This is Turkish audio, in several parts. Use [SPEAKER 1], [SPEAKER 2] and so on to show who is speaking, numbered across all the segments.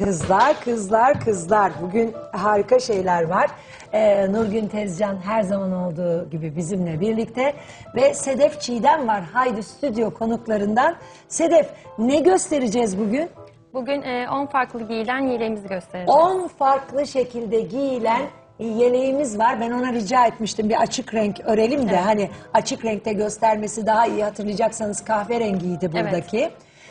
[SPEAKER 1] Kızlar, kızlar, kızlar. Bugün harika şeyler var. Nurgün Tezcan her zaman olduğu gibi bizimle birlikte. Ve Sedef Çiğdem var. Haydi stüdyo konuklarından. Sedef, ne göstereceğiz bugün?
[SPEAKER 2] Bugün 10 farklı giyilen yeleğimizi göstereceğiz.
[SPEAKER 1] 10 farklı şekilde giyilen yeleğimiz var. Ben ona rica etmiştim bir açık renk örelim de hani açık renkte göstermesi daha iyi, hatırlayacaksanız kahverengiydi buradaki.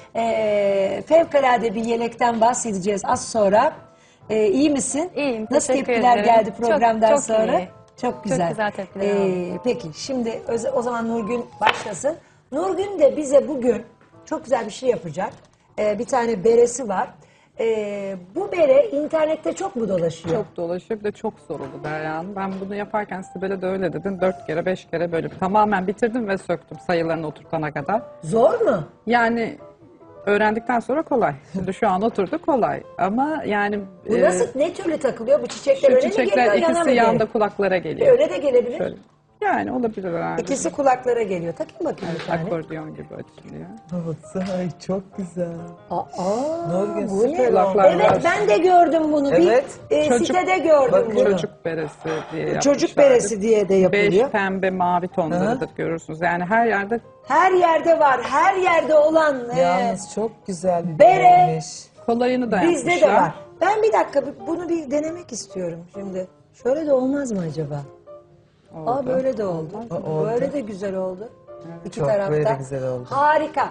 [SPEAKER 1] Fevkalade bir yelekten bahsedeceğiz az sonra. İyi misin?
[SPEAKER 2] İyiyim,
[SPEAKER 1] Nasıl
[SPEAKER 2] teşekkür
[SPEAKER 1] tepkiler
[SPEAKER 2] ederim.
[SPEAKER 1] geldi programdan
[SPEAKER 2] çok
[SPEAKER 1] sonra?
[SPEAKER 2] iyi.
[SPEAKER 1] Çok güzel.
[SPEAKER 2] Çok güzel tepkiler aldım.
[SPEAKER 1] Peki şimdi o zaman Nurgün başlasın. Nurgün de bize bugün çok güzel bir şey yapacak. Bir tane beresi var. Bu bere internette çok mu dolaşıyor?
[SPEAKER 3] Çok dolaşıyor, bir de çok zor oldu Derya Hanım. Ben bunu yaparken Sibel'e de öyle dedim. 4 kere 5 kere böyle tamamen bitirdim ve söktüm sayılarını oturtana kadar.
[SPEAKER 1] Zor mu?
[SPEAKER 3] Yani öğrendikten sonra kolay. Şimdi şu an oturdu kolay. Ama yani
[SPEAKER 1] Bu nasıl, ne türlü takılıyor? Bu çiçekler
[SPEAKER 3] şu
[SPEAKER 1] öne mi geliyor,
[SPEAKER 3] çiçekler
[SPEAKER 1] yana mı
[SPEAKER 3] ikisi
[SPEAKER 1] geliyor?
[SPEAKER 3] yanda kulaklara geliyor.
[SPEAKER 1] Öyle de gelebilir.
[SPEAKER 3] Şöyle. Yani olabilir herhalde.
[SPEAKER 1] İkisi kulaklara geliyor. Takayım bakayım bir tane.
[SPEAKER 3] Akordeon gibi açılıyor.
[SPEAKER 4] Ay çok güzel. Nurgün,
[SPEAKER 1] Bu ne?
[SPEAKER 4] süper
[SPEAKER 3] Kulaklar
[SPEAKER 1] Evet
[SPEAKER 3] var.
[SPEAKER 1] ben de gördüm bunu.
[SPEAKER 4] Evet.
[SPEAKER 1] Bir
[SPEAKER 3] Çocuk-
[SPEAKER 1] sitede gördüm
[SPEAKER 4] Bakın.
[SPEAKER 1] bunu.
[SPEAKER 3] Çocuk beresi diye yapmışlar.
[SPEAKER 1] Çocuk beresi diye de yapılıyor.
[SPEAKER 3] 5 pembe mavi tonlarıdır görürsünüz. Yani her yerde
[SPEAKER 1] Her yerde var. Her yerde olan
[SPEAKER 4] Yalnız çok güzel bir
[SPEAKER 1] bere.
[SPEAKER 4] bereymiş.
[SPEAKER 3] kolayını da
[SPEAKER 1] bizde
[SPEAKER 3] yapmışlar.
[SPEAKER 1] de var. Ben bir dakika bunu bir denemek istiyorum şimdi. Şöyle de olmaz mı acaba?
[SPEAKER 3] Oldu.
[SPEAKER 1] Böyle de oldu.
[SPEAKER 4] Oldu.
[SPEAKER 1] Böyle de güzel oldu. İki
[SPEAKER 4] Çok
[SPEAKER 1] tarafta.
[SPEAKER 4] böyle de güzel oldu.
[SPEAKER 1] Harika.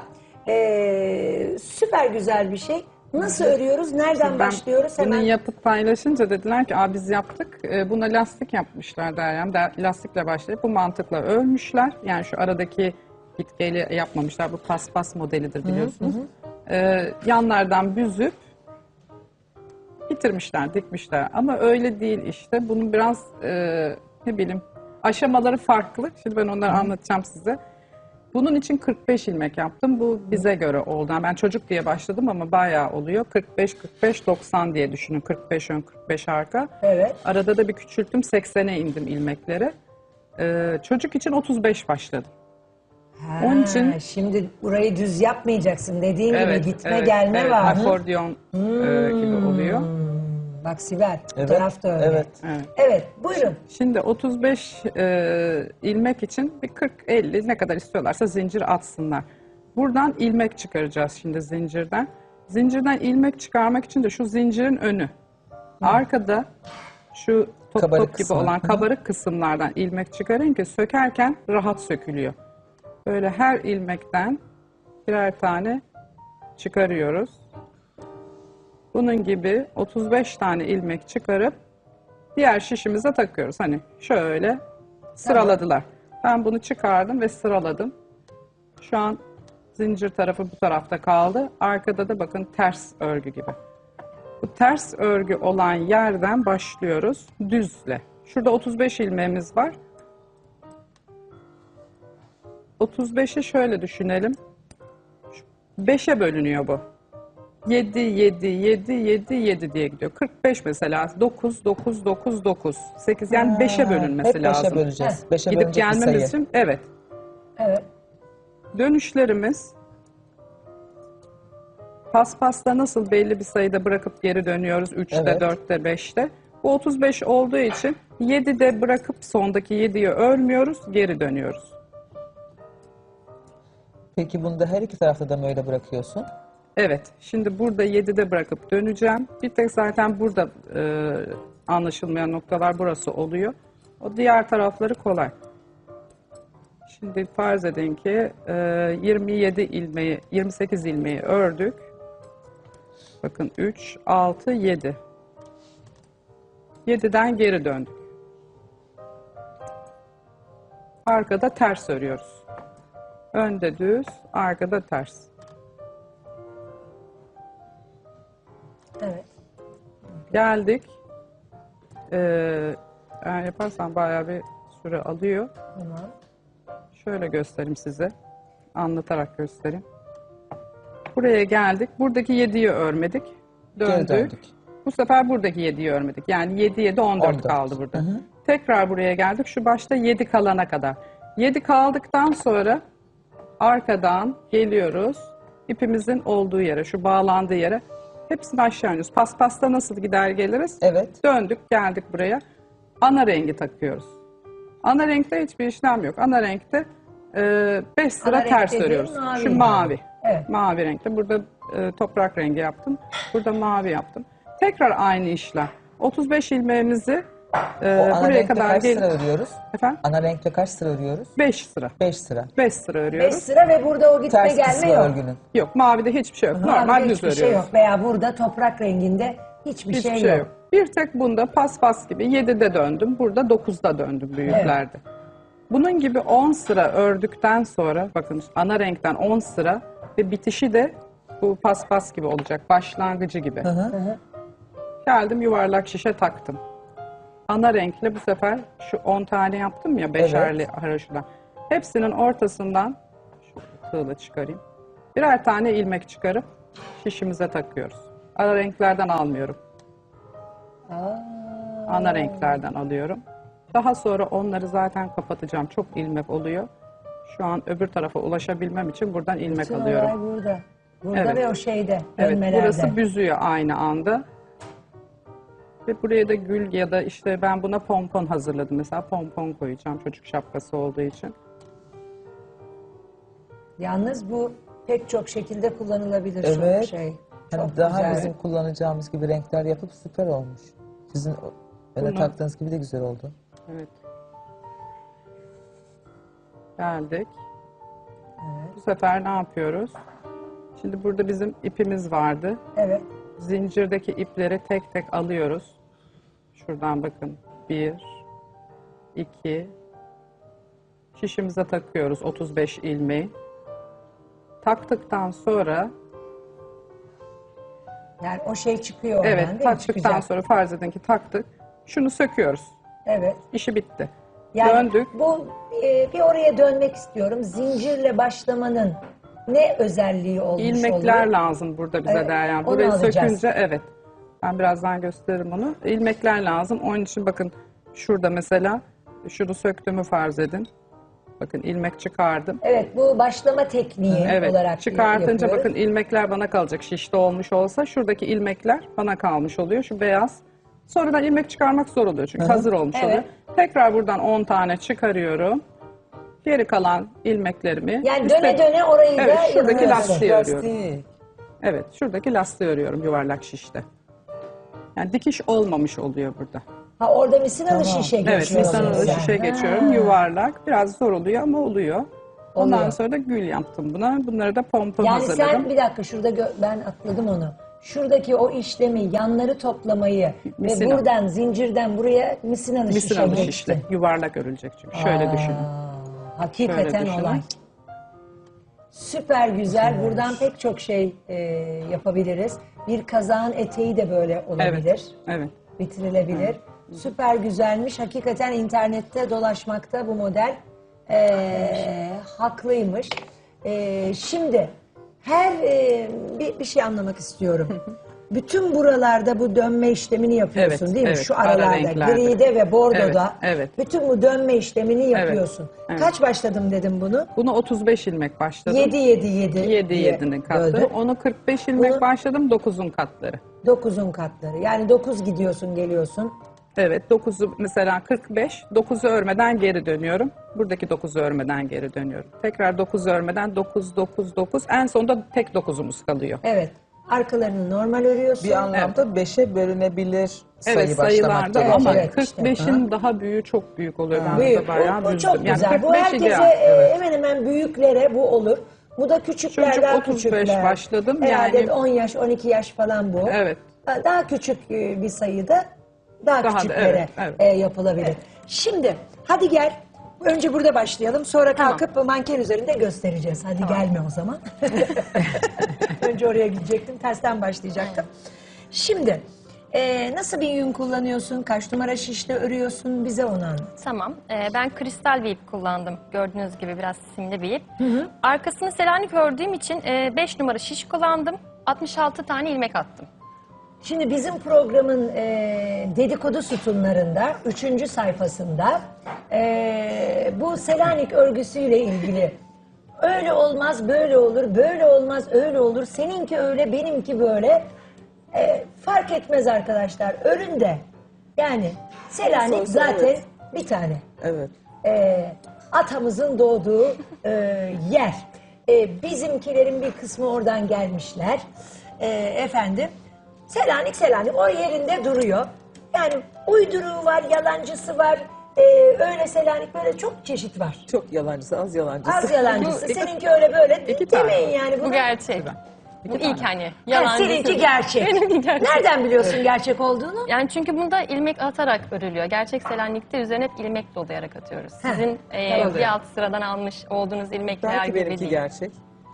[SPEAKER 1] Süper güzel bir şey. Nasıl örüyoruz? Nereden başlıyoruz?
[SPEAKER 3] Bunu
[SPEAKER 1] Hemen.
[SPEAKER 3] yapıp paylaşınca dediler ki biz yaptık. Buna lastik yapmışlar Derya'm. Lastikle başlayıp bu mantıkla örmüşler. Yani şu aradaki gitgeli yapmamışlar. Bu paspas modelidir biliyorsunuz. Yanlardan büzüp bitirmişler, dikmişler. Ama öyle değil işte. Bunun biraz ne bileyim aşamaları farklı. Şimdi ben onları anlatacağım size. Bunun için 45 ilmek yaptım. Bu bize göre oldu. Yani ben çocuk diye başladım ama bayağı oluyor. 45-45-90 diye düşünün. 45 ön, 45 arka.
[SPEAKER 1] Evet.
[SPEAKER 3] Arada da bir küçülttüm. 80'e indim ilmekleri. Çocuk için 35 başladım. Onun için-
[SPEAKER 1] Şimdi burayı düz yapmayacaksın. Dediğin gibi gitme
[SPEAKER 3] evet,
[SPEAKER 1] gelme
[SPEAKER 3] evet,
[SPEAKER 1] var.
[SPEAKER 3] akordeon gibi oluyor.
[SPEAKER 1] Bak Sibel, bu
[SPEAKER 4] Evet,
[SPEAKER 1] tarafta öyle.
[SPEAKER 4] evet.
[SPEAKER 3] Evet.
[SPEAKER 1] Evet, buyurun.
[SPEAKER 3] Şimdi 35 ilmek için bir 40-50 ne kadar istiyorlarsa zincir atsınlar. Buradan ilmek çıkaracağız şimdi zincirden. Zincirden ilmek çıkarmak için de şu zincirin önü. Arkada şu top
[SPEAKER 4] Kabarık
[SPEAKER 3] top gibi
[SPEAKER 4] kısmı.
[SPEAKER 3] olan kabarık kısımlardan ilmek çıkarın ki sökerken rahat sökülüyor. Böyle her ilmekten birer tane çıkarıyoruz. Bunun gibi 35 tane ilmek çıkarıp diğer şişimize takıyoruz. Hani şöyle sıraladılar. Ben bunu çıkardım ve sıraladım. Şu an zincir tarafı bu tarafta kaldı. Arkada da bakın ters örgü gibi. Bu ters örgü olan yerden başlıyoruz düzle. Şurada 35 ilmeğimiz var. 35'i şöyle düşünelim. 5'e bölünüyor bu. 7, 7, 7, 7, 7 diye gidiyor. 45 mesela. 9, 9, 9, 9. 8 yani 5'e bölünmesi
[SPEAKER 4] Hep
[SPEAKER 3] lazım.
[SPEAKER 4] 5'e böleceğiz. 5'e
[SPEAKER 3] Gidip
[SPEAKER 4] bölünecek bir
[SPEAKER 3] gelmemiz
[SPEAKER 4] sayı.
[SPEAKER 3] için evet.
[SPEAKER 1] Evet.
[SPEAKER 3] Dönüşlerimiz paspasta nasıl belli bir sayıda bırakıp geri dönüyoruz. 3'te,
[SPEAKER 4] Evet.
[SPEAKER 3] 4'te, 5'te. Bu 35 olduğu için 7'de bırakıp sondaki 7'yi örmüyoruz, geri dönüyoruz.
[SPEAKER 4] Peki bunu da her iki tarafta da mı öyle bırakıyorsun?
[SPEAKER 3] Evet, şimdi burada 7'de bırakıp döneceğim. Bir tek zaten burada anlaşılmayan noktalar burası oluyor. O diğer tarafları kolay. Şimdi farz edin ki 27 ilmeği, 28 ilmeği ördük. Bakın 3, 6, 7. 7'den geri döndük. Arkada ters örüyoruz. Önde düz, arkada ters.
[SPEAKER 1] Evet.
[SPEAKER 3] Geldik. Yani yaparsan bayağı bir süre alıyor.
[SPEAKER 1] Tamam.
[SPEAKER 3] Şöyle göstereyim size. Anlatarak göstereyim. Buraya geldik. Buradaki 7'yi örmedik.
[SPEAKER 4] Geri döndük.
[SPEAKER 3] Bu sefer buradaki 7'yi örmedik. Yani 7, 7, 14
[SPEAKER 4] 14.
[SPEAKER 3] kaldı burada. Tekrar buraya geldik. Şu başta 7 kalana kadar. 7 kaldıktan sonra arkadan geliyoruz. İpimizin olduğu yere, şu bağlandığı yere Hepsini aşağı iniyoruz. Paspasta nasıl gider geliriz?
[SPEAKER 4] Evet.
[SPEAKER 3] Döndük geldik buraya. Ana rengi takıyoruz. Ana renkte hiçbir işlem yok. Ana renkte 5 sıra
[SPEAKER 1] Ana renk
[SPEAKER 3] ters
[SPEAKER 1] dediğin
[SPEAKER 3] örüyoruz.
[SPEAKER 1] mavi.
[SPEAKER 3] Şu mavi.
[SPEAKER 1] Evet.
[SPEAKER 3] Mavi renkte. Burada toprak rengi yaptım. Burada mavi yaptım. Tekrar aynı işlem. 35 ilmeğimizi
[SPEAKER 4] O ana
[SPEAKER 3] buraya
[SPEAKER 4] renkte
[SPEAKER 3] kadar
[SPEAKER 4] kaç
[SPEAKER 3] gel.
[SPEAKER 4] sıra örüyoruz?
[SPEAKER 3] Efendim?
[SPEAKER 4] Ana renkte kaç sıra örüyoruz?
[SPEAKER 3] 5 sıra.
[SPEAKER 4] 5 sıra.
[SPEAKER 3] 5 sıra
[SPEAKER 1] 5
[SPEAKER 3] örüyoruz.
[SPEAKER 1] sıra ve burada o gitme
[SPEAKER 4] Ters
[SPEAKER 1] gelme
[SPEAKER 4] kısmı
[SPEAKER 1] yok.
[SPEAKER 4] örgünün.
[SPEAKER 3] Yok, mavide hiçbir şey yok. Normal
[SPEAKER 1] Mavide
[SPEAKER 3] düz
[SPEAKER 1] hiçbir
[SPEAKER 3] örüyoruz.
[SPEAKER 1] şey yok veya burada toprak renginde hiçbir
[SPEAKER 3] Hiçbir
[SPEAKER 1] şey yok.
[SPEAKER 3] Bir tek bunda paspas gibi 7'de döndüm. Burada 9'da döndüm büyüklerde. Bunun gibi 10 sıra ördükten sonra bakın ana renkten 10 sıra ve bitişi de bu paspas gibi olacak. Başlangıcı gibi. Geldim yuvarlak şişe taktım. Ana renkle bu sefer şu 10 tane yaptım ya beşerli haroşadan. Hepsinin ortasından şu tığla çıkarayım. Birer tane ilmek çıkarıp şişimize takıyoruz. Ana renklerden almıyorum. Ana renklerden alıyorum. Daha sonra onları zaten kapatacağım. Çok ilmek oluyor. Şu an öbür tarafa ulaşabilmem için buradan ilmek
[SPEAKER 1] Bütün
[SPEAKER 3] alıyorum.
[SPEAKER 1] olay burada. Burada
[SPEAKER 3] Evet.
[SPEAKER 1] ve o şeyde,
[SPEAKER 3] Evet,
[SPEAKER 1] dönmelerde.
[SPEAKER 3] burası büzüyor aynı anda. Ve buraya da gül ya da işte ben buna pompon hazırladım. Mesela pompon koyacağım çocuk şapkası olduğu için.
[SPEAKER 1] Yalnız bu pek çok şekilde kullanılabilir
[SPEAKER 4] Evet.
[SPEAKER 1] çok şey.
[SPEAKER 4] Hani
[SPEAKER 1] Çok
[SPEAKER 4] daha
[SPEAKER 1] güzel.
[SPEAKER 4] bizim kullanacağımız gibi renkler yapıp süper olmuş. Sizin öyle
[SPEAKER 3] Bunu-
[SPEAKER 4] taktığınız gibi de güzel oldu.
[SPEAKER 3] Evet. Geldik. Bu sefer ne yapıyoruz? Şimdi burada bizim ipimiz vardı.
[SPEAKER 1] Evet.
[SPEAKER 3] Zincirdeki ipleri tek tek alıyoruz. Şuradan bakın. 1, 2, şişimize takıyoruz 35 ilmeği. Taktıktan sonra
[SPEAKER 1] Yani o şey çıkıyor oradan
[SPEAKER 3] evet
[SPEAKER 1] değil mi?
[SPEAKER 3] taktıktan
[SPEAKER 1] Çıkacak.
[SPEAKER 3] sonra farz edin ki taktık. Şunu söküyoruz.
[SPEAKER 1] Evet.
[SPEAKER 3] İşi bitti.
[SPEAKER 1] Yani
[SPEAKER 3] Döndük.
[SPEAKER 1] bu bir oraya dönmek istiyorum. Zincirle başlamanın ne özelliği olmuş
[SPEAKER 3] İlmekler
[SPEAKER 1] oluyor?
[SPEAKER 3] lazım burada bize
[SPEAKER 1] Evet,
[SPEAKER 3] Derya.
[SPEAKER 1] onu
[SPEAKER 3] Burayı
[SPEAKER 1] alacağız.
[SPEAKER 3] sökünce evet. Ben birazdan gösteririm onu. İlmekler lazım. Onun için bakın şurada mesela şunu söktüğümü farz edin. Bakın ilmek çıkardım.
[SPEAKER 1] Evet, bu başlama tekniği
[SPEAKER 3] Evet.
[SPEAKER 1] olarak
[SPEAKER 3] Çıkartınca
[SPEAKER 1] yapıyoruz.
[SPEAKER 3] bakın ilmekler bana kalacak. Şişte olmuş olsa şuradaki ilmekler bana kalmış oluyor. Şu beyaz. Sonradan ilmek çıkarmak zor oluyor çünkü hazır olmuş
[SPEAKER 1] Evet.
[SPEAKER 3] oluyor. Tekrar buradan 10 tane çıkarıyorum. Geri kalan ilmeklerimi
[SPEAKER 1] Yani
[SPEAKER 3] üstte-
[SPEAKER 1] döne döne orayı
[SPEAKER 3] Evet,
[SPEAKER 1] da
[SPEAKER 3] şuradaki
[SPEAKER 1] yapıyoruz.
[SPEAKER 3] lastiği örüyorum.
[SPEAKER 4] Lastik.
[SPEAKER 3] Evet, şuradaki lastiği örüyorum yuvarlak şişte. Yani dikiş olmamış oluyor burada.
[SPEAKER 1] Ha orada misinalı
[SPEAKER 4] Tamam.
[SPEAKER 1] şişe
[SPEAKER 3] Evet,
[SPEAKER 1] geçiyor.
[SPEAKER 3] misinalı
[SPEAKER 1] mesela.
[SPEAKER 3] şişe
[SPEAKER 1] Ha.
[SPEAKER 3] geçiyorum. Yuvarlak. Biraz zor oluyor ama oluyor. Ondan
[SPEAKER 1] Oluyor.
[SPEAKER 3] sonra da gül yaptım buna. Bunları da pompon
[SPEAKER 1] Yani
[SPEAKER 3] hazırladım.
[SPEAKER 1] sen bir dakika şurada ben atladım onu. Şuradaki o işlemi, yanları toplamayı
[SPEAKER 3] Misina.
[SPEAKER 1] ve buradan zincirden buraya misinalı şişe
[SPEAKER 3] Misinalı
[SPEAKER 1] geçti.
[SPEAKER 3] şişle. Yuvarlak örülecek çünkü. Şöyle düşünün.
[SPEAKER 1] Hakikaten
[SPEAKER 3] Şöyle düşünün.
[SPEAKER 1] olay. Süper güzel. Buradan pek çok şey yapabiliriz. Bir kazağın eteği de böyle olabilir.
[SPEAKER 3] Evet. Evet.
[SPEAKER 1] Bitirilebilir. Süper güzelmiş. Hakikaten internette dolaşmakta bu model haklıymış. Şimdi bir şey anlamak istiyorum. Bütün buralarda bu dönme işlemini yapıyorsun
[SPEAKER 3] Evet,
[SPEAKER 1] değil mi?
[SPEAKER 3] evet.
[SPEAKER 1] Şu
[SPEAKER 3] Ara
[SPEAKER 1] aralarda,
[SPEAKER 3] renklerde.
[SPEAKER 1] gride ve bordoda.
[SPEAKER 3] Evet, evet.
[SPEAKER 1] Bütün bu dönme işlemini yapıyorsun.
[SPEAKER 3] evet.
[SPEAKER 1] Kaç başladım dedim bunu?
[SPEAKER 3] Bunu 35 ilmek başladım.
[SPEAKER 1] 7
[SPEAKER 3] 7 7'nin katı.
[SPEAKER 1] böldüm.
[SPEAKER 3] Onu 45 ilmek
[SPEAKER 1] Bunu-
[SPEAKER 3] başladım. 9'un katları.
[SPEAKER 1] 9'un katları. Yani 9 gidiyorsun geliyorsun.
[SPEAKER 3] Evet, 9'u mesela 45, 9'u örmeden geri dönüyorum. Buradaki 9'u örmeden geri dönüyorum. Tekrar 9 örmeden 9, 9, 9. En sonunda tek 9'umuz kalıyor.
[SPEAKER 1] Evet. Arkalarını normal örüyorsun.
[SPEAKER 4] Bir anlamda 5'e bölünebilir sayı
[SPEAKER 3] Evet,
[SPEAKER 4] başlamak
[SPEAKER 3] sayılarda
[SPEAKER 4] gerekiyor.
[SPEAKER 3] ama
[SPEAKER 1] Evet, işte.
[SPEAKER 3] 45'in daha büyüğü çok büyük oluyor. Ben
[SPEAKER 1] Büyük.
[SPEAKER 3] burada bayağı
[SPEAKER 1] Bu
[SPEAKER 3] büzdüm.
[SPEAKER 1] çok güzel. Bu
[SPEAKER 3] 45
[SPEAKER 1] herkese
[SPEAKER 3] ideal.
[SPEAKER 1] hemen hemen büyüklere bu olur. Bu da küçüklerden
[SPEAKER 3] Çocuk 35
[SPEAKER 1] küçükler.
[SPEAKER 3] başladım.
[SPEAKER 1] Herhalde
[SPEAKER 3] Yani-
[SPEAKER 1] 10 yaş, 12 yaş falan bu.
[SPEAKER 3] Evet.
[SPEAKER 1] Daha küçük bir sayıda daha
[SPEAKER 3] Daha da,
[SPEAKER 1] küçüklere
[SPEAKER 3] evet.
[SPEAKER 1] yapılabilir. Şimdi hadi gel. Önce burada başlayalım. Sonra
[SPEAKER 2] Tamam.
[SPEAKER 1] kalkıp manken üzerinde göstereceğiz. Hadi gelme o zaman. Önce oraya gidecektim. Tersten başlayacaktım. Şimdi nasıl bir yün kullanıyorsun? Kaç numara şişle örüyorsun? Bize onu anlat.
[SPEAKER 2] Tamam. Ben kristal bir ip kullandım. Gördüğünüz gibi biraz simli bir ip. Arkasını Selanik ördüğüm için 5 numara şiş kullandım. 66 tane ilmek attım.
[SPEAKER 1] Şimdi bizim programın dedikodu sütunlarında 3. sayfasında bu Selanik örgüsüyle ilgili öyle olmaz böyle olur, böyle olmaz öyle olur, seninki öyle benimki böyle Fark etmez arkadaşlar. Öründe yani Selanik
[SPEAKER 4] Nasıl olsa
[SPEAKER 1] zaten
[SPEAKER 4] evet.
[SPEAKER 1] bir tane.
[SPEAKER 4] Evet.
[SPEAKER 1] Atamızın doğduğu yer. Bizimkilerin bir kısmı oradan gelmişler. Efendim Selanik o yerinde duruyor. Yani uyduruğu var, yalancısı var. Öyle Selanik böyle çok çeşit var.
[SPEAKER 4] Çok yalancısı, az yalancısı.
[SPEAKER 1] Az yalancısı. Seninki öyle böyle
[SPEAKER 3] İki tane.
[SPEAKER 1] demeyin yani.
[SPEAKER 2] Bu
[SPEAKER 1] Bunu.
[SPEAKER 2] gerçek. Bu ilk hani.
[SPEAKER 1] Ha,
[SPEAKER 2] Yalancısı.
[SPEAKER 1] seninki gerçek.
[SPEAKER 2] Benimki gerçek.
[SPEAKER 1] Nereden biliyorsun gerçek olduğunu?
[SPEAKER 2] Yani çünkü bunda ilmek atarak örülüyor. Gerçek Selanik'te üzerine hep ilmek dolayarak atıyoruz. Sizin
[SPEAKER 1] tamam.
[SPEAKER 2] bir alt sıradan almış olduğunuz ilmekler
[SPEAKER 4] Belki
[SPEAKER 2] gibi
[SPEAKER 4] benimki
[SPEAKER 2] değil.
[SPEAKER 4] gerçek.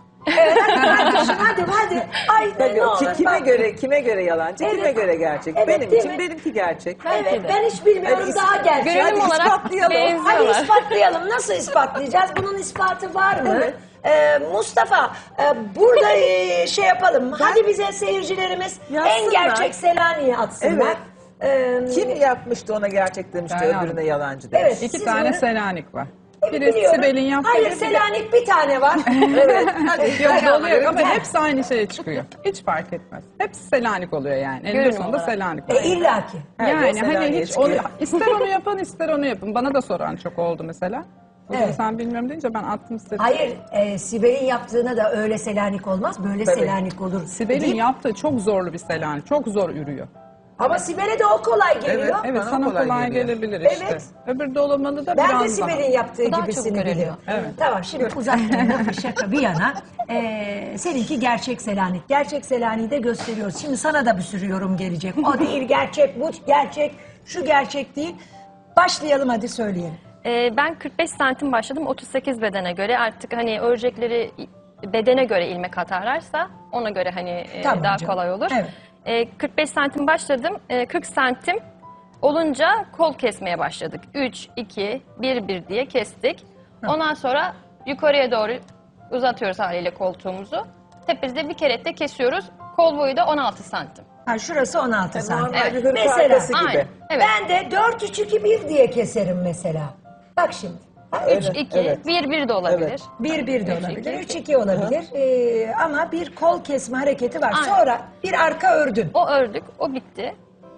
[SPEAKER 1] Hadi. Ay
[SPEAKER 4] Tabii,
[SPEAKER 1] ne olur.
[SPEAKER 4] kime göre yalancı,
[SPEAKER 1] Evet.
[SPEAKER 4] kime göre gerçek?
[SPEAKER 1] Evet,
[SPEAKER 4] Benim
[SPEAKER 1] değil
[SPEAKER 4] için
[SPEAKER 1] mi?
[SPEAKER 4] benimki gerçek.
[SPEAKER 1] Evet ben hiç bilmiyorum
[SPEAKER 4] Hadi
[SPEAKER 1] daha gerçek.
[SPEAKER 2] Görünüm
[SPEAKER 4] Hadi
[SPEAKER 2] olarak
[SPEAKER 4] ispatlayalım.
[SPEAKER 1] Hadi
[SPEAKER 2] benziyorlar.
[SPEAKER 1] ispatlayalım. Nasıl ispatlayacağız? Bunun ispatı var mı?
[SPEAKER 4] Evet.
[SPEAKER 1] Mustafa burada şey yapalım. Hadi bize seyircilerimiz en
[SPEAKER 4] Yazsınlar.
[SPEAKER 1] gerçek Selanik'i atsınlar.
[SPEAKER 4] Kim yapmıştı ona gerçek demişti,
[SPEAKER 3] Ben
[SPEAKER 4] öbürüne
[SPEAKER 3] yaptım.
[SPEAKER 4] yalancı demiş.
[SPEAKER 1] Evet.
[SPEAKER 3] İki
[SPEAKER 1] Siz
[SPEAKER 3] tane
[SPEAKER 1] bunu-
[SPEAKER 3] Selanik var. Biri
[SPEAKER 1] Biliyorum.
[SPEAKER 3] Sibel'in yaptığı.
[SPEAKER 1] Hayır
[SPEAKER 3] biri de-
[SPEAKER 1] Selanik bir tane var.
[SPEAKER 4] Evet. Hadi.
[SPEAKER 3] Yok oluyor ama
[SPEAKER 1] Gel.
[SPEAKER 3] hepsi aynı şeye çıkıyor. Hiç fark etmez. Hepsi Selanik oluyor yani. Eninde
[SPEAKER 2] Görünüm
[SPEAKER 3] sonunda
[SPEAKER 2] olarak.
[SPEAKER 3] Selanik oluyor.
[SPEAKER 1] illaki.
[SPEAKER 4] Her yol
[SPEAKER 3] Yani hani
[SPEAKER 4] Selanik'e
[SPEAKER 3] hiç onu,
[SPEAKER 4] çıkıyor.
[SPEAKER 3] ister onu yapın ister onu yapın. Bana da soran çok oldu mesela. O zaman
[SPEAKER 1] Evet.
[SPEAKER 3] sen bilmiyorum deyince ben attım istedim.
[SPEAKER 1] Hayır Sibel'in yaptığına da öyle Selanik olmaz. Böyle
[SPEAKER 4] Tabii.
[SPEAKER 1] Selanik olur.
[SPEAKER 3] Sibel'in
[SPEAKER 1] Değil mi?
[SPEAKER 3] yaptığı çok zorlu bir Selanik. Çok zor ürüyor.
[SPEAKER 1] Ama Sibel'e de o kolay geliyor.
[SPEAKER 3] Evet
[SPEAKER 4] Bana
[SPEAKER 3] sana
[SPEAKER 4] kolay
[SPEAKER 3] kolay
[SPEAKER 4] geliyor.
[SPEAKER 3] gelebilir işte.
[SPEAKER 1] Evet.
[SPEAKER 3] Öbür dolamalı da
[SPEAKER 1] Ben
[SPEAKER 3] biraz
[SPEAKER 1] de
[SPEAKER 3] daha.
[SPEAKER 1] Sibel'in yaptığı
[SPEAKER 2] Bu daha
[SPEAKER 1] gibisini
[SPEAKER 2] çabuk görülüyor.
[SPEAKER 1] biliyorum.
[SPEAKER 3] Evet.
[SPEAKER 1] Tamam şimdi uzatmayın lafı şaka bir yana. Seninki gerçek Selanik. Gerçek Selanik'i de gösteriyoruz. Şimdi sana da bir sürü yorum gelecek. O değil gerçek, bu gerçek, şu gerçek değil. Başlayalım hadi söyleyelim.
[SPEAKER 2] Ben 45 santim başladım. 38 bedene göre artık hani örecekleri bedene göre ilmek atarlarsa ona göre hani
[SPEAKER 1] Tamam
[SPEAKER 2] daha
[SPEAKER 1] canım.
[SPEAKER 2] kolay olur.
[SPEAKER 1] Evet.
[SPEAKER 2] 45 santim başladım. 40 santim olunca kol kesmeye başladık. 3, 2, 1, 1 diye kestik. Ondan sonra yukarıya doğru uzatıyoruz haliyle koltuğumuzu. Tepesinde bir kerette kesiyoruz. Kol boyu da 16 santim.
[SPEAKER 1] Ha, şurası 16 santim.
[SPEAKER 4] Normal bir hırka
[SPEAKER 1] Mesela
[SPEAKER 4] arkası gibi.
[SPEAKER 2] Aynen. Evet.
[SPEAKER 1] ben de 4, 3, 2, 1 diye keserim mesela. Bak şimdi. Ha,
[SPEAKER 2] 3,
[SPEAKER 4] Evet,
[SPEAKER 2] 2,
[SPEAKER 4] evet.
[SPEAKER 2] 1, 1 de olabilir.
[SPEAKER 4] Evet.
[SPEAKER 1] 1, 1 de
[SPEAKER 2] Üç,
[SPEAKER 1] olabilir,
[SPEAKER 2] iki.
[SPEAKER 1] 3, 2 olabilir. Ama bir kol kesme hareketi var.
[SPEAKER 2] Aynen.
[SPEAKER 1] Sonra bir arka ördün.
[SPEAKER 2] O ördük, o bitti.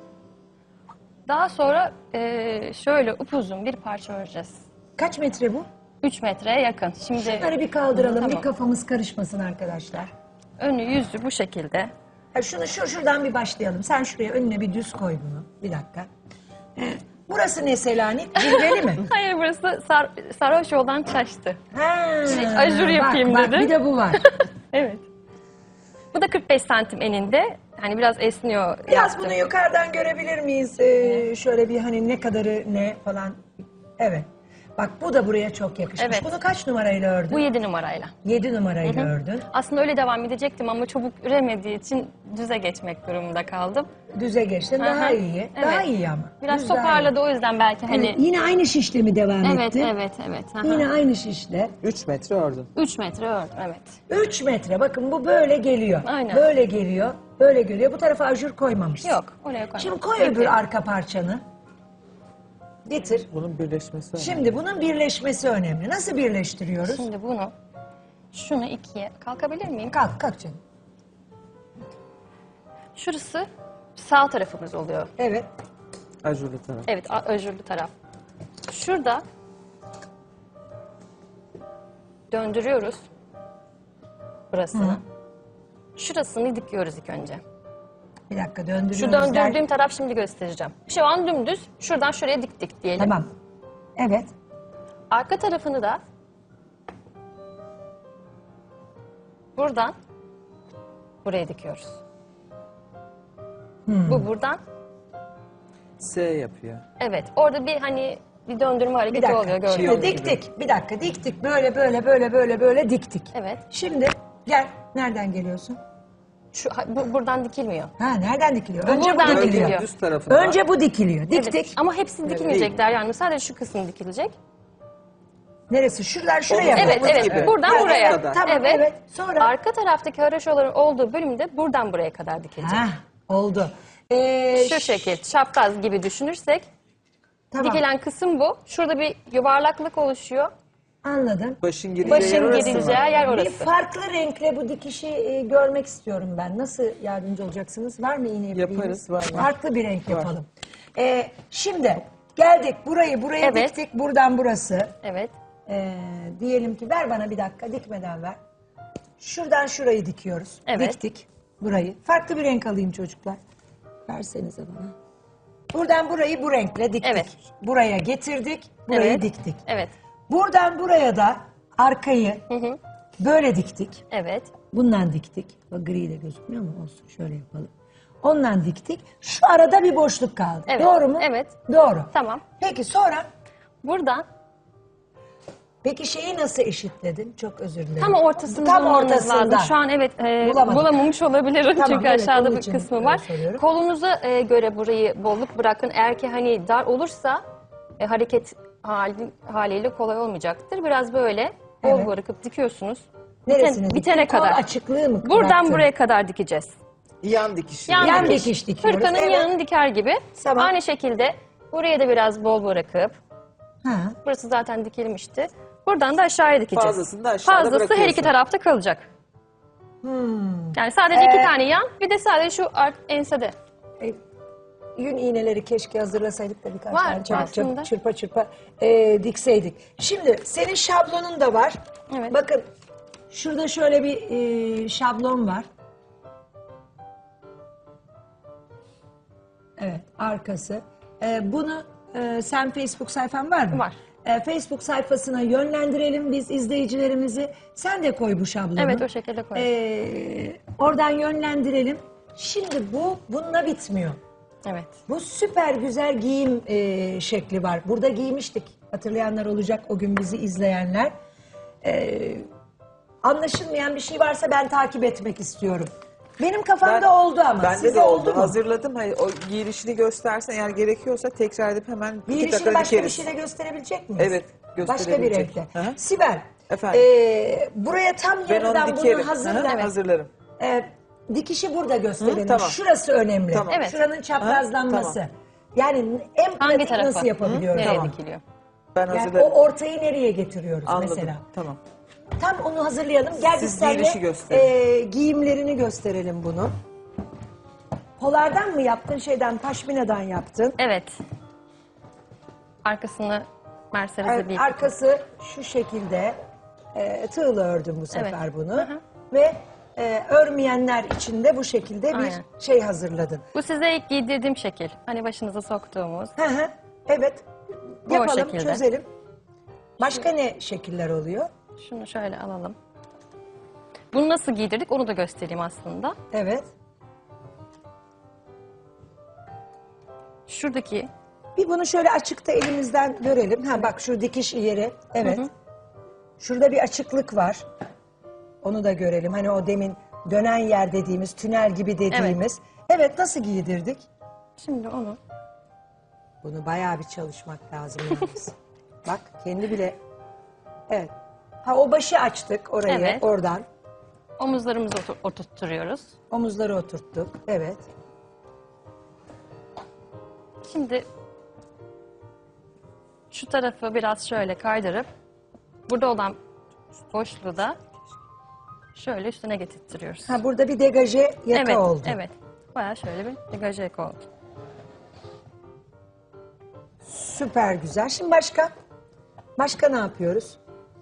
[SPEAKER 2] Daha sonra şöyle upuzun bir parça öreceğiz.
[SPEAKER 1] Kaç metre bu?
[SPEAKER 2] 3 metreye yakın. Şimdi
[SPEAKER 1] Şunları bir kaldıralım,
[SPEAKER 2] Tamam.
[SPEAKER 1] bir kafamız karışmasın arkadaşlar.
[SPEAKER 2] önü yüzü bu şekilde.
[SPEAKER 1] Ha, şuradan bir başlayalım. Sen şuraya önüne bir düz koy bunu. Bir dakika. Burası ne Selanik? Cilveli mi?
[SPEAKER 2] Hayır burası sarhoş yoldan şaştı.
[SPEAKER 1] Ha,
[SPEAKER 2] ajur yapayım
[SPEAKER 1] bak,
[SPEAKER 2] dedim.
[SPEAKER 1] bir de bu var.
[SPEAKER 2] Evet. Bu da 45 santim eninde. Hani biraz esniyor.
[SPEAKER 1] Biraz
[SPEAKER 2] yaptım.
[SPEAKER 1] bunu yukarıdan görebilir miyiz? Şöyle bir hani ne kadarı ne falan. Evet. Bak bu da buraya çok yakışmış.
[SPEAKER 2] Evet.
[SPEAKER 1] Bunu kaç numarayla ördün?
[SPEAKER 2] Bu 7 numarayla.
[SPEAKER 1] 7 numarayla ördün.
[SPEAKER 2] Aslında öyle devam edecektim ama çabuk üremediği için düze geçmek durumunda kaldım.
[SPEAKER 1] Düze geçtin daha
[SPEAKER 2] Aha.
[SPEAKER 1] iyi.
[SPEAKER 2] Evet.
[SPEAKER 1] Daha iyi ama.
[SPEAKER 2] Biraz
[SPEAKER 1] Düz daha iyi.
[SPEAKER 2] toparladı o yüzden belki hani.
[SPEAKER 1] Evet, yine aynı şişle mi devam
[SPEAKER 2] Evet,
[SPEAKER 1] ettin?
[SPEAKER 2] evet. Aha.
[SPEAKER 1] Yine aynı şişle.
[SPEAKER 4] 3 metre ördün.
[SPEAKER 2] 3 metre ördüm, evet.
[SPEAKER 1] 3 metre bakın bu böyle geliyor.
[SPEAKER 2] Aynen.
[SPEAKER 1] Böyle geliyor. Böyle geliyor. Bu tarafa ajur koymamışsın.
[SPEAKER 2] Yok, oraya koymadım.
[SPEAKER 1] Şimdi koy
[SPEAKER 2] Peki.
[SPEAKER 1] öbür arka parçanı. Getir.
[SPEAKER 4] Bunun birleşmesi önemli.
[SPEAKER 1] Şimdi bunun birleşmesi önemli. Nasıl birleştiriyoruz?
[SPEAKER 2] Şimdi bunu, şunu ikiye, kalkabilir miyim?
[SPEAKER 1] Kalk canım.
[SPEAKER 2] Şurası sağ tarafımız oluyor.
[SPEAKER 1] Evet.
[SPEAKER 4] Ajurlu taraf.
[SPEAKER 2] Evet, ajurlu taraf. Şurada döndürüyoruz burasını. Şurasını dikiyoruz ilk önce.
[SPEAKER 1] Bir dakika döndürüyoruz.
[SPEAKER 2] Şu döndürdüğüm taraf şimdi göstereceğim. Şu an dümdüz, şuradan şuraya diktik diyelim.
[SPEAKER 1] Tamam. Evet.
[SPEAKER 2] Arka tarafını da buradan buraya dikiyoruz. Bu buradan,
[SPEAKER 4] S yapıyor.
[SPEAKER 2] evet. Orada bir hani bir döndürme
[SPEAKER 1] Bir
[SPEAKER 2] hareketi
[SPEAKER 1] dakika.
[SPEAKER 2] oluyor gördüğünüz
[SPEAKER 1] Şimdi
[SPEAKER 2] gibi.
[SPEAKER 1] diktik. Bir dakika diktik. Böyle diktik.
[SPEAKER 2] Evet.
[SPEAKER 1] Şimdi gel. Nereden geliyorsun?
[SPEAKER 2] Buradan dikilmiyor.
[SPEAKER 1] Ha nereden dikiliyor?
[SPEAKER 2] Bu
[SPEAKER 1] Önce bu
[SPEAKER 2] buradan
[SPEAKER 1] dikiliyor.
[SPEAKER 2] dikiliyor.
[SPEAKER 4] Düz tarafında.
[SPEAKER 1] Önce bu dikiliyor. Diktik.
[SPEAKER 2] Evet. Ama hepsi dikilmeyecek yani. Sadece şu kısım dikilecek.
[SPEAKER 1] Neresi? Şuraya.
[SPEAKER 2] Evet,
[SPEAKER 4] Omuz
[SPEAKER 2] evet.
[SPEAKER 4] gibi.
[SPEAKER 2] Buradan
[SPEAKER 4] Evet,
[SPEAKER 2] buraya.
[SPEAKER 4] kadar.
[SPEAKER 1] Tamam evet. Sonra.
[SPEAKER 2] Arka taraftaki haraşoların olduğu bölümde buradan buraya kadar dikilecek.
[SPEAKER 1] Ha, oldu.
[SPEAKER 2] Şu şekil, şapkaz gibi düşünürsek
[SPEAKER 1] Tamam.
[SPEAKER 2] dikilen kısım bu. Şurada bir yuvarlaklık oluşuyor.
[SPEAKER 1] Anladım.
[SPEAKER 4] Başın gireceği yer
[SPEAKER 2] Başın
[SPEAKER 4] orası mı?
[SPEAKER 2] girileceği yer
[SPEAKER 1] Bir
[SPEAKER 2] orası.
[SPEAKER 1] farklı renkle bu dikişi görmek istiyorum ben. Nasıl yardımcı olacaksınız? Var mı iğne ipliğiniz?
[SPEAKER 4] Yaparız, var.
[SPEAKER 1] Farklı bir renk yapalım. Şimdi geldik buraya
[SPEAKER 2] Evet.
[SPEAKER 1] diktik. Buradan burası.
[SPEAKER 2] Evet.
[SPEAKER 1] Diyelim ki ver bana bir dakika dikmeden ver. Şuradan şurayı dikiyoruz.
[SPEAKER 2] Evet.
[SPEAKER 1] Diktik burayı. Farklı bir renk alayım çocuklar. Versenize bana. Buradan burayı bu renkle diktik.
[SPEAKER 2] Evet.
[SPEAKER 1] Buraya getirdik. Burayı
[SPEAKER 2] Evet.
[SPEAKER 1] diktik.
[SPEAKER 2] Evet.
[SPEAKER 1] Buradan buraya da arkayı böyle diktik.
[SPEAKER 2] Evet.
[SPEAKER 1] Bundan diktik. Bak gri de gözükmüyor mu? Olsun şöyle yapalım. Ondan diktik. Şu arada bir boşluk kaldı.
[SPEAKER 2] Evet,
[SPEAKER 1] Doğru mu?
[SPEAKER 2] evet.
[SPEAKER 1] Doğru.
[SPEAKER 2] Tamam.
[SPEAKER 1] Peki sonra
[SPEAKER 2] Buradan
[SPEAKER 1] peki şeyi nasıl eşitledin? Çok özür dilerim.
[SPEAKER 2] tam ortasını
[SPEAKER 1] Tam
[SPEAKER 2] bulmanız
[SPEAKER 1] ortasından.
[SPEAKER 2] lazım. Şu an evet
[SPEAKER 1] Bulamadım.
[SPEAKER 2] bulamamış olabilirim
[SPEAKER 1] Tamam,
[SPEAKER 2] çünkü
[SPEAKER 1] evet,
[SPEAKER 2] aşağıda
[SPEAKER 1] onun
[SPEAKER 2] bir
[SPEAKER 1] için
[SPEAKER 2] kısmı var.
[SPEAKER 1] soruyorum.
[SPEAKER 2] Kolunuza göre burayı bolluk bırakın. Eğer ki hani dar olursa hareket haliyle kolay olmayacaktır. Biraz böyle bol
[SPEAKER 1] Evet.
[SPEAKER 2] bırakıp dikiyorsunuz.
[SPEAKER 1] Neresini
[SPEAKER 2] Bitene
[SPEAKER 1] diktin? Kol
[SPEAKER 2] kadar.
[SPEAKER 1] açıklığı mı
[SPEAKER 2] Buradan
[SPEAKER 1] bıraktın?
[SPEAKER 2] buraya kadar dikeceğiz.
[SPEAKER 4] Yan dikişi.
[SPEAKER 1] Yan dikiş dikiyoruz.
[SPEAKER 2] Hırkanın
[SPEAKER 1] Evet.
[SPEAKER 2] yanını diker gibi.
[SPEAKER 1] Tamam.
[SPEAKER 2] Aynı şekilde buraya da biraz bol bırakıp,
[SPEAKER 1] Ha.
[SPEAKER 2] burası zaten dikilmişti. Buradan da aşağıya dikeceğiz.
[SPEAKER 4] Fazlasını da aşağıda
[SPEAKER 2] Fazlası her
[SPEAKER 4] bırakıyorsun.
[SPEAKER 2] iki tarafta kalacak. Yani sadece iki tane yan, bir de sadece şu ensede.
[SPEAKER 1] Yün iğneleri keşke hazırlasaydık da birkaç
[SPEAKER 2] Var,
[SPEAKER 1] tane çabuk
[SPEAKER 2] aslında.
[SPEAKER 1] çırpa çırpa dikseydik. Şimdi senin şablonun da var.
[SPEAKER 2] Evet.
[SPEAKER 1] Bakın şurada şöyle bir şablon var. Evet, arkası. Bunu sen Facebook sayfan var mı?
[SPEAKER 2] Var.
[SPEAKER 1] Facebook sayfasına yönlendirelim biz izleyicilerimizi. Sen de koy bu şablonu.
[SPEAKER 2] Evet, o şekilde koyalım.
[SPEAKER 1] Oradan yönlendirelim. Şimdi bununla bitmiyor.
[SPEAKER 2] Evet.
[SPEAKER 1] Bu süper güzel giyim şekli var. Burada giymiştik. Hatırlayanlar olacak o gün bizi izleyenler. Anlaşılmayan bir şey varsa ben takip etmek istiyorum. Benim kafamda oldu ama.
[SPEAKER 4] Bende
[SPEAKER 1] Size
[SPEAKER 4] de oldu.
[SPEAKER 1] mu?
[SPEAKER 4] Hazırladım. Hayır, o giyilişini göstersen eğer gerekiyorsa tekrar edip hemen 2
[SPEAKER 1] Giyilişini
[SPEAKER 4] dakikada
[SPEAKER 1] başka bir
[SPEAKER 4] dikeriz.
[SPEAKER 1] şeyle gösterebilecek miyiz?
[SPEAKER 4] Evet,
[SPEAKER 1] Başka bir
[SPEAKER 4] gösterebilecek.
[SPEAKER 1] renkle.
[SPEAKER 4] Hı hı.
[SPEAKER 1] Sibel,
[SPEAKER 4] Efendim?
[SPEAKER 1] buraya tam
[SPEAKER 4] Ben
[SPEAKER 1] yarıdan
[SPEAKER 4] onu dikerim.
[SPEAKER 1] bunu hazırla.
[SPEAKER 4] Hı hı, hazırlarım.
[SPEAKER 1] Dikişi burada gösterelim.
[SPEAKER 4] Hı, tamam.
[SPEAKER 1] Şurası önemli.
[SPEAKER 4] Tamam.
[SPEAKER 2] Evet.
[SPEAKER 1] Şuranın çaprazlanması.
[SPEAKER 4] Tamam.
[SPEAKER 1] Yani en
[SPEAKER 2] Hangi
[SPEAKER 1] pratik
[SPEAKER 2] tarafa?
[SPEAKER 1] nasıl yapabiliyoruz?
[SPEAKER 2] Nereye
[SPEAKER 1] Tamam.
[SPEAKER 2] dikiliyor?
[SPEAKER 4] Ben
[SPEAKER 1] Yani
[SPEAKER 4] hazırlarım.
[SPEAKER 1] o ortayı nereye getiriyoruz
[SPEAKER 4] Anladım.
[SPEAKER 1] mesela?
[SPEAKER 4] Tamam.
[SPEAKER 1] Tam onu hazırlayalım. Gel
[SPEAKER 4] Siz
[SPEAKER 1] biz seninle
[SPEAKER 4] giyilişi gösterin.
[SPEAKER 1] giyimlerini gösterelim bunu. Polardan mı yaptın, paşminadan yaptın?
[SPEAKER 2] Evet. Arkasını Mercedes'e bir
[SPEAKER 1] Arkası şu şekilde tığla ördüm bu sefer
[SPEAKER 2] Evet.
[SPEAKER 1] bunu.
[SPEAKER 2] Hı hı.
[SPEAKER 1] Ve örmeyenler için de bu şekilde bir
[SPEAKER 2] Aynen.
[SPEAKER 1] şey hazırladın.
[SPEAKER 2] Bu size ilk giydirdiğim şekil. Hani başınıza soktuğumuz.
[SPEAKER 1] Hı hı. Evet.
[SPEAKER 2] Bu o
[SPEAKER 1] Yapalım,
[SPEAKER 2] şekilde.
[SPEAKER 1] çözelim. Başka ne şekiller oluyor?
[SPEAKER 2] Şunu şöyle alalım. Bunu nasıl giydirdik onu da göstereyim aslında.
[SPEAKER 1] Evet.
[SPEAKER 2] Şuradaki
[SPEAKER 1] Bir bunu şöyle açıkta elimizden görelim. Ha bak şu dikiş yeri. Evet.
[SPEAKER 2] Hı hı.
[SPEAKER 1] Şurada bir açıklık var. Onu da görelim. Hani o demin dönen yer dediğimiz, tünel gibi dediğimiz. Evet, nasıl giydirdik?
[SPEAKER 2] şimdi onu
[SPEAKER 1] Bunu bayağı bir çalışmak lazım yalnız. Bak kendi bile. Evet. Ha o başı açtık orayı
[SPEAKER 2] Evet.
[SPEAKER 1] oradan.
[SPEAKER 2] omuzlarımıza oturtturuyoruz.
[SPEAKER 1] Omuzları oturttuk. Evet.
[SPEAKER 2] Şimdi şu tarafı biraz şöyle kaydırıp burada olan boşluğu da şöyle üstüne getirtiyoruz.
[SPEAKER 1] Ha burada bir degaje yaka
[SPEAKER 2] evet,
[SPEAKER 1] oldu.
[SPEAKER 2] evet. Bayağı şöyle bir degaje yaka oldu.
[SPEAKER 1] Süper güzel. Şimdi başka? Başka ne yapıyoruz?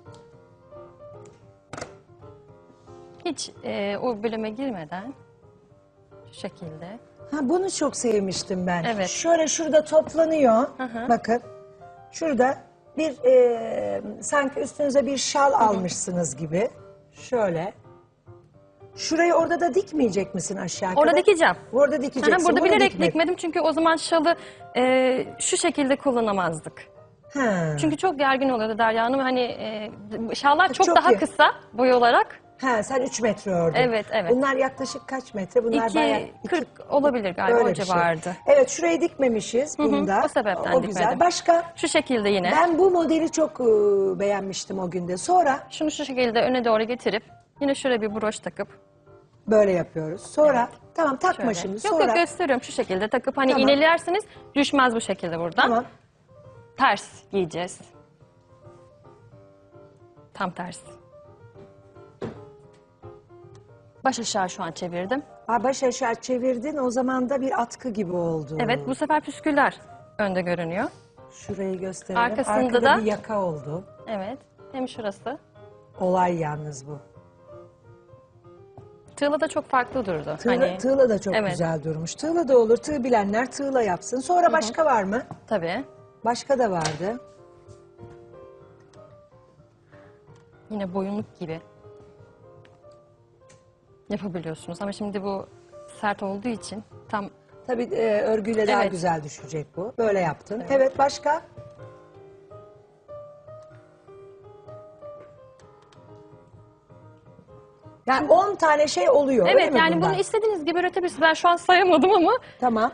[SPEAKER 2] Hiç o bölüme girmeden şu şekilde.
[SPEAKER 1] Ha bunu çok sevmiştim ben.
[SPEAKER 2] Evet.
[SPEAKER 1] Şöyle şurada toplanıyor.
[SPEAKER 2] hı.
[SPEAKER 1] Bakın. Şurada bir sanki üstünüze bir şal almışsınız gibi. Şöyle. Şurayı orada da dikmeyecek misin aşağı
[SPEAKER 2] Orada
[SPEAKER 1] kadar?
[SPEAKER 2] dikeceğim.
[SPEAKER 1] Orada dikeceksin.
[SPEAKER 2] Aha, burada
[SPEAKER 1] bunu
[SPEAKER 2] bilerek
[SPEAKER 1] dikmedin.
[SPEAKER 2] dikmedim çünkü o zaman şalı şu şekilde kullanamazdık.
[SPEAKER 1] Ha.
[SPEAKER 2] Çünkü çok gergin oluyordu Derya Hanım. Hani şallar çok
[SPEAKER 1] Çok
[SPEAKER 2] daha
[SPEAKER 1] iyi.
[SPEAKER 2] kısa boy olarak.
[SPEAKER 1] Ha sen 3 metre ördün.
[SPEAKER 2] Evet, evet.
[SPEAKER 1] Bunlar yaklaşık kaç metre? Bunlar bayağı
[SPEAKER 2] 2.40 olabilir galiba
[SPEAKER 1] öyle
[SPEAKER 2] o
[SPEAKER 1] bir şey.
[SPEAKER 2] civardı.
[SPEAKER 1] Evet şurayı dikmemişiz bunda.
[SPEAKER 2] o sebepten
[SPEAKER 1] O güzel.
[SPEAKER 2] dikmedim.
[SPEAKER 1] Başka?
[SPEAKER 2] Şu şekilde yine.
[SPEAKER 1] Ben bu modeli çok beğenmiştim o günde. Sonra
[SPEAKER 2] Şunu şu şekilde öne doğru getirip yine şöyle bir broş takıp
[SPEAKER 1] böyle yapıyoruz. Sonra tamam takma
[SPEAKER 2] şöyle.
[SPEAKER 1] şimdi.
[SPEAKER 2] Yok
[SPEAKER 1] Sonra
[SPEAKER 2] yok gösteriyorum şu şekilde takıp hani
[SPEAKER 1] Tamam.
[SPEAKER 2] iğnelerseniz düşmez bu şekilde buradan.
[SPEAKER 1] tamam.
[SPEAKER 2] Ters giyeceğiz. Tam tersi. Baş aşağı şu an çevirdim.
[SPEAKER 1] Baş aşağı çevirdin, o zaman da bir atkı gibi oldu.
[SPEAKER 2] Evet, bu sefer püsküller önde görünüyor.
[SPEAKER 1] Şurayı gösterelim.
[SPEAKER 2] Arkasında
[SPEAKER 1] Arkada
[SPEAKER 2] da-
[SPEAKER 1] bir yaka oldu.
[SPEAKER 2] Evet, hem şurası.
[SPEAKER 1] Olay yalnız bu.
[SPEAKER 2] Tığla da çok farklı durdu.
[SPEAKER 1] Tığla da çok
[SPEAKER 2] Evet.
[SPEAKER 1] güzel durmuş. Tığla da olur. Tığ bilenler tığla yapsın. Sonra başka var mı?
[SPEAKER 2] Tabii.
[SPEAKER 1] Başka da vardı.
[SPEAKER 2] Yine boyunluk gibi yapabiliyorsunuz. Ama şimdi bu sert olduğu için tam
[SPEAKER 1] Tabii örgüyle daha
[SPEAKER 2] Evet.
[SPEAKER 1] güzel düşecek bu. Böyle yaptın. Evet, başka? Yani 10 tane şey oluyor. öyle
[SPEAKER 2] evet
[SPEAKER 1] mi
[SPEAKER 2] yani
[SPEAKER 1] bundan?
[SPEAKER 2] bunu istediğiniz gibi üretebilirsiniz. Ben şu an sayamadım ama
[SPEAKER 1] Tamam.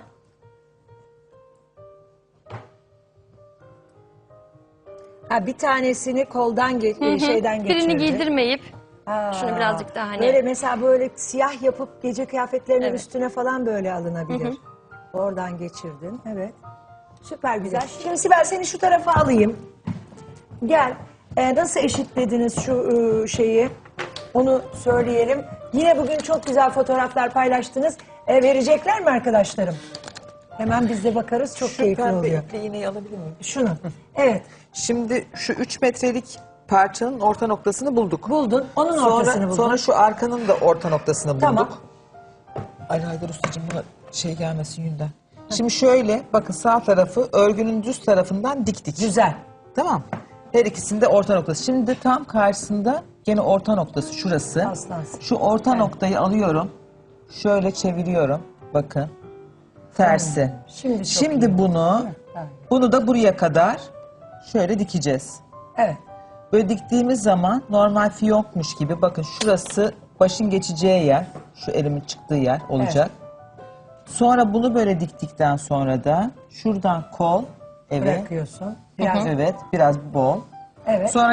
[SPEAKER 1] Ha, bir tanesini koldan şeyden geçirdi.
[SPEAKER 2] birini giydirmeyip
[SPEAKER 1] Aa,
[SPEAKER 2] şunu birazcık daha hani
[SPEAKER 1] Böyle mesela böyle siyah yapıp gece kıyafetlerinin
[SPEAKER 2] Evet.
[SPEAKER 1] üstüne falan böyle alınabilir. Oradan geçirdin. Evet. Süper güzel. Şimdi Sibel, seni şu tarafa alayım. Gel. Nasıl eşitlediniz şu şeyi? Onu söyleyelim. Yine bugün çok güzel fotoğraflar paylaştınız. Verecekler mi arkadaşlarım? Hemen biz de bakarız. Çok keyifli
[SPEAKER 4] Pembe
[SPEAKER 1] oluyor.
[SPEAKER 4] iple iğneyi alabilir miyim?
[SPEAKER 1] Şunu. Evet.
[SPEAKER 4] Şimdi şu 3 metrelik parçanın orta noktasını bulduk.
[SPEAKER 1] Buldun. Onun ortasını buldun.
[SPEAKER 4] Sonra şu arkanın da orta noktasını bulduk.
[SPEAKER 1] Tamam.
[SPEAKER 4] Ali Haydar Ustacığım buna şey gelmesin yünden. Şimdi şöyle bakın, sağ tarafı örgünün düz tarafından diktik.
[SPEAKER 1] Güzel.
[SPEAKER 4] Tamam. Her ikisinde orta noktası. Şimdi tam karşısında gene orta noktası şurası.
[SPEAKER 1] Aslansın.
[SPEAKER 4] Şu orta noktayı alıyorum. Şöyle çeviriyorum. Bakın. Tersi.
[SPEAKER 1] Şimdi çok
[SPEAKER 4] Şimdi
[SPEAKER 1] iyi.
[SPEAKER 4] bunu
[SPEAKER 1] Evet.
[SPEAKER 4] bunu da buraya kadar şöyle dikeceğiz.
[SPEAKER 1] Evet.
[SPEAKER 4] Böyle diktiğimiz zaman normal fiyonkmuş gibi, bakın şurası başın geçeceği yer. Şu elimin çıktığı yer olacak. Sonra bunu böyle diktikten sonra da şuradan kol, evet.
[SPEAKER 1] Bırakıyorsun. Biraz.
[SPEAKER 4] Evet, biraz bol.
[SPEAKER 1] Evet.
[SPEAKER 4] Sonra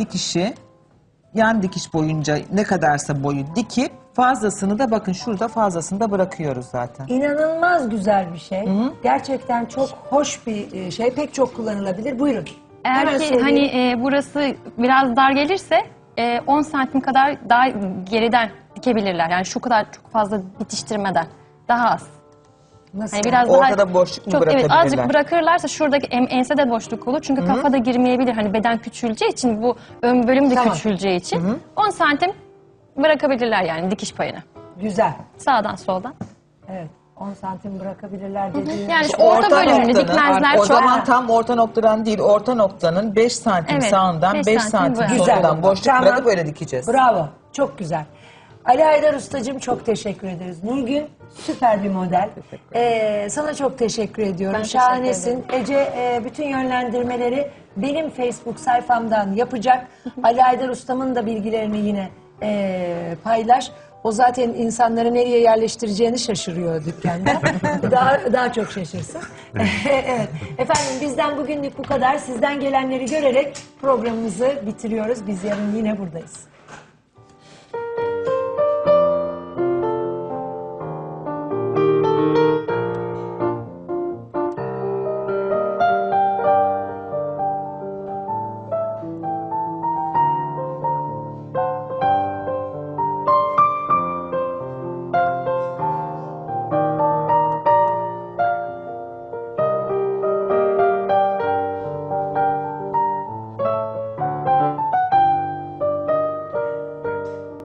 [SPEAKER 4] yan dikiş boyunca ne kadarsa boyu dikip fazlasını da bakın şurada fazlasını da bırakıyoruz zaten.
[SPEAKER 1] İnanılmaz güzel bir şey. Gerçekten çok hoş bir şey. Pek çok kullanılabilir. Buyurun. Hemen
[SPEAKER 2] eğer ki
[SPEAKER 1] söyleyeyim.
[SPEAKER 2] hani burası biraz dar gelirse 10 santim kadar daha geriden dikebilirler. Yani şu kadar çok fazla bitiştirmeden daha az.
[SPEAKER 1] Nasıl?
[SPEAKER 2] Hani biraz
[SPEAKER 4] Ortada
[SPEAKER 2] daha
[SPEAKER 4] boşluk mu
[SPEAKER 2] çok, evet,
[SPEAKER 4] bırakabilirler?
[SPEAKER 2] azıcık bırakırlarsa şuradaki ensede boşluk olur. Çünkü kafa da girmeyebilir. Hani beden küçüleceği için, bu ön bölüm de
[SPEAKER 1] Tamam.
[SPEAKER 2] küçüleceği için 10 santim bırakabilirler yani dikiş payını.
[SPEAKER 1] Güzel.
[SPEAKER 2] Sağdan soldan.
[SPEAKER 1] Evet. 10 santim bırakabilirler dediğin.
[SPEAKER 2] Yani şu orta bölümünü
[SPEAKER 4] noktanın,
[SPEAKER 2] dikmezler
[SPEAKER 4] o
[SPEAKER 2] çok.
[SPEAKER 4] zaman tam orta noktadan değil, orta noktanın 5 santim
[SPEAKER 2] Evet,
[SPEAKER 4] sağından
[SPEAKER 2] 5
[SPEAKER 4] 5
[SPEAKER 2] santim
[SPEAKER 4] santim
[SPEAKER 2] böyle.
[SPEAKER 4] solundan boşluk
[SPEAKER 1] Tamam.
[SPEAKER 4] bırakıp öyle dikeceğiz.
[SPEAKER 1] Bravo. Çok güzel. Ali Haydar Ustacığım, çok teşekkür ederiz. Nurgün süper bir model. Sana çok teşekkür ediyorum.
[SPEAKER 2] Ben teşekkür
[SPEAKER 1] Şahanesin. Ece bütün yönlendirmeleri benim Facebook sayfamdan yapacak. Ali Haydar Ustam'ın da bilgilerini yine paylaş. O zaten insanları nereye yerleştireceğini şaşırıyor dükkanda. daha çok şaşırsın. Evet. Efendim, bizden bugünlük bu kadar. Sizden gelenleri görerek programımızı bitiriyoruz. Biz yarın yine buradayız.